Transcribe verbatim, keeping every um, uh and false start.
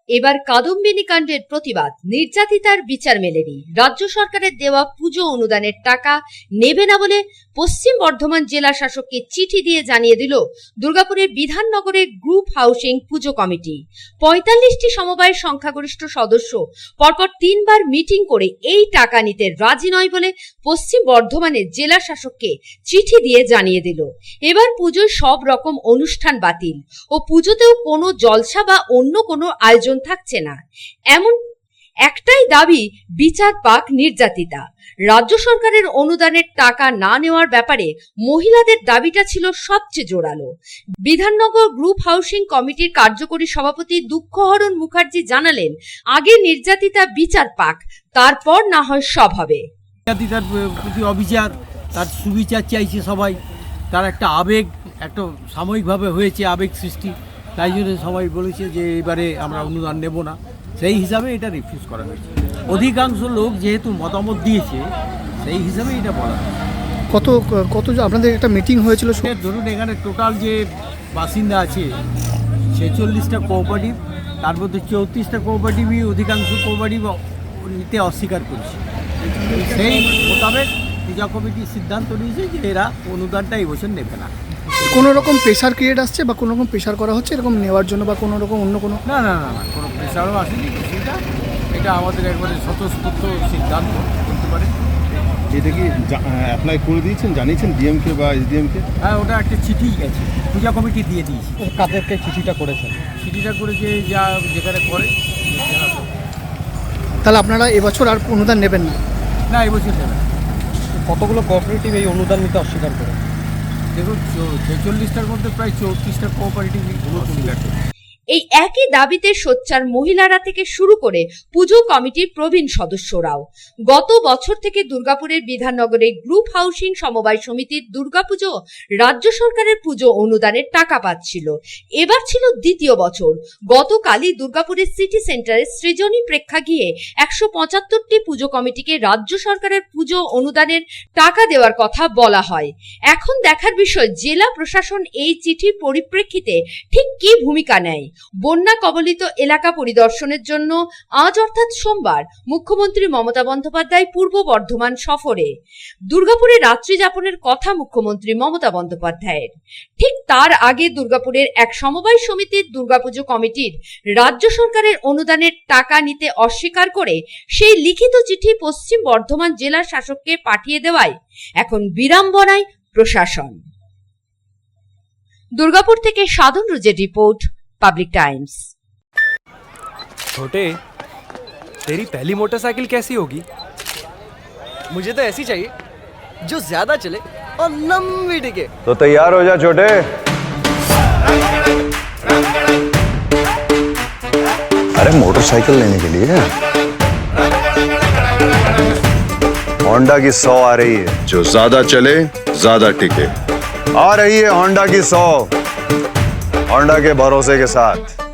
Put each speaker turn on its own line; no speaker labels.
এবার কাদম্বিনী কাণ্ডের প্রতিবাদ, নির্যাতিতার বিচার মেলেনি। রাজ্য সরকারের দেওয়া পুজো অনুদানের টাকা নেবে না বলে পশ্চিম বর্ধমান জেলা শাসককে চিঠি দিয়ে জানিয়ে দিল দুর্গাপুরের বিধাননগরের গ্রুপ হাউসিং পুজো কমিটি। পঁয়তাল্লিশটি সমবায়ের সংখ্যাগরিষ্ঠ সদস্য পরপর তিনবার মিটিং করে এই টাকা নিতে রাজি নয় বলে পশ্চিম বর্ধমানের জেলা শাসককে চিঠি দিয়ে জানিয়ে দিল। এবার পুজোয় সব রকম অনুষ্ঠান বাতিল ও পুজোতেও কোনো জলসা বা অন্য কোনো আয়োজন থাকছে না। এমন একটাই দাবি, বিচার পাক নির্যাতিতা। রাজ্য সরকারের অনুদানের টাকা না নেওয়ার ব্যাপারে মহিলাদের দাবিটা ছিল সবচেয়ে জোরালো। বিধাননগর গ্রুপ হাউসিং কমিটির কার্যকরী সভাপতি দুঃখহরণ মুখার্জি জানালেন, আগে নির্যাতিতা বিচার পাক, তারপর না হয় সব হবে।
নির্যাতিতার প্রতি অবিচার, তার সুবিচার চাইছে সবাই। তার একটা আবেগ, একটা সাময়িকভাবে হয়েছে আবেগ সৃষ্টি, তাই জন্য সবাই বলেছে যে এবারে আমরা অনুদান নেব না। সেই হিসাবে এটা রিফিউজ করা হয়েছে। অধিকাংশ লোক যেহেতু মতামত দিয়েছে, সেই হিসাবে এটা বলা হয়েছে।
কত কত আপনাদের একটা মিটিং হয়েছিল?
ধরুন এখানে টোটাল যে বাসিন্দা আছে ছেচল্লিশটা কোঅপারেটিভ, তার মধ্যে চৌত্রিশটা কোঅপারেটিভই অধিকাংশ কোঅপারেটিভ নিতে অস্বীকার করছে। সেই মোতাবেক পূজা কমিটি সিদ্ধান্ত নিয়েছে যে এরা অনুদানটা এই বছর নেবে না।
কোনো রকম প্রেশার ক্রিয়েট আসছে বা কোনো রকম প্রেশার করা হচ্ছে এরকম নেওয়ার জন্য, বা কোনো রকম অন্য কোনো?
না না না না কোনো প্রেশারও আসেনি কিছুটা। এটা আমাদের একবারে স্বতঃস্ফূর্ত সিদ্ধান্ত করতে পারে।
এটা কি অ্যাপ্লাই করে দিয়েছেন, জানিয়েছেন ডিএমকে বা এসডিএমকে?
হ্যাঁ, ওটা একটা চিঠি গেছে, পূজা কমিটি দিয়ে দিয়েছে।
কাদেরকে চিঠিটা করেছেন?
চিঠিটা করেছে যা যেখানে করে।
তাহলে আপনারা এবছর আর অনুদান নেবেন না?
না, এবছর নেবেন।
কতগুলো কোঅপারেটিভ এই অনুদান নিতে অস্বীকার করে?
দেখুন, ছেচল্লিশটার মধ্যে প্রায় চৌত্রিশটা কোঅপারেটিভ অস্বীকার করে।
এই একই দাবিতে সোচ্চার মহিলারা থেকে শুরু করে পুজো কমিটির প্রবীণ সদস্যরাও। গত বছর থেকে দুর্গাপুরের বিধাননগরের গ্রুপ হাউসিং সমবায় সমিতির দুর্গাপুজো রাজ্য সরকারের পুজো অনুদানের টাকা পাচ্ছিল। এবার ছিল দ্বিতীয় বছর। গতকালই দুর্গাপুরের সিটি সেন্টারের সৃজনী প্রেক্ষাগৃহে একশো পঁচাত্তরটি পুজো কমিটিকে রাজ্য সরকারের পুজো অনুদানের টাকা দেওয়ার কথা বলা হয়। এখন দেখার বিষয় জেলা প্রশাসন এই চিঠির পরিপ্রেক্ষিতে ঠিক কি ভূমিকা নেয়। বন্যা কবলিত এলাকা পরিদর্শনের জন্য আজ অর্থাৎ সোমবার মুখ্যমন্ত্রী মমতা বন্দ্যোপাধ্যায় পূর্ব বর্ধমান সফরে। দুর্গাপুরে রাত্রি যাপনের কথা মুখ্যমন্ত্রী মমতা বন্দ্যোপাধ্যায়ের। ঠিক তার আগে দুর্গাপুরের এক সমবায় সমিতির দুর্গাপুজো কমিটির রাজ্য সরকারের অনুদানের টাকা নিতে অস্বীকার করে সেই লিখিত চিঠি পশ্চিম বর্ধমান জেলা শাসককে পাঠিয়ে দেওয়ায় এখন বিড়ম্বনায় প্রশাসন। দুর্গাপুর থেকে সাধন রুজের রিপোর্ট, पब्लिक टाइम्स।
छोटे, तेरी पहली मोटरसाइकिल कैसी होगी?
मुझे तो ऐसी चाहिए जो ज्यादा चले और लंबी टिके।
तो तैयार हो जा छोटे। अरे मोटरसाइकिल लेने के लिए होंडा की सौ आ रही है, जो ज्यादा चले ज्यादा टिके। आ रही है होंडा की सौ, होंडा के भरोसे के साथ।